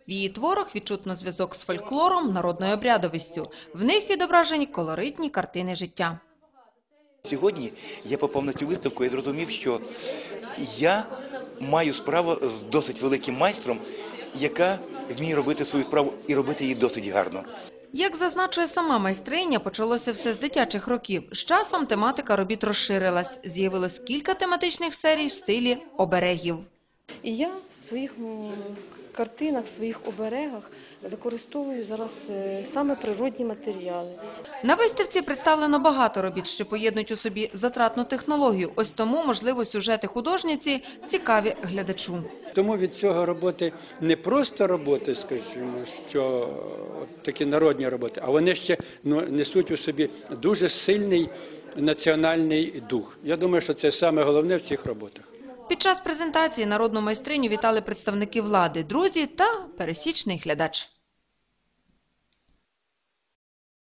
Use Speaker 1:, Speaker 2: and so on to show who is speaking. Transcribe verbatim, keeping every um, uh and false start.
Speaker 1: В її творах відчутно зв'язок з фольклором, народною обрядовістю. В них відображені колоритні картини життя.
Speaker 2: Сьогодні я попав на цю виставку і зрозумів, що я маю справу з досить великим майстром, яка вміє робити свою справу і робити її досить гарно.
Speaker 1: Як зазначує сама майстриня, почалося все з дитячих років. З часом тематика робіт розширилась. З'явилось кілька тематичних серій в стилі оберегів.
Speaker 3: І я в своїх картинах, в своїх оберегах використовую зараз саме природні матеріали.
Speaker 1: На виставці представлено багато робіт, що поєднують у собі затратну технологію. Ось тому, можливо, сюжети художниці цікаві глядачу.
Speaker 4: Тому від цього роботи не просто роботи, скажімо, що такі народні роботи, а вони ще ну, несуть у собі дуже сильний національний дух. Я думаю, що це саме головне в цих роботах.
Speaker 1: Під час презентації народну майстриню вітали представники влади, друзі та пересічний глядач.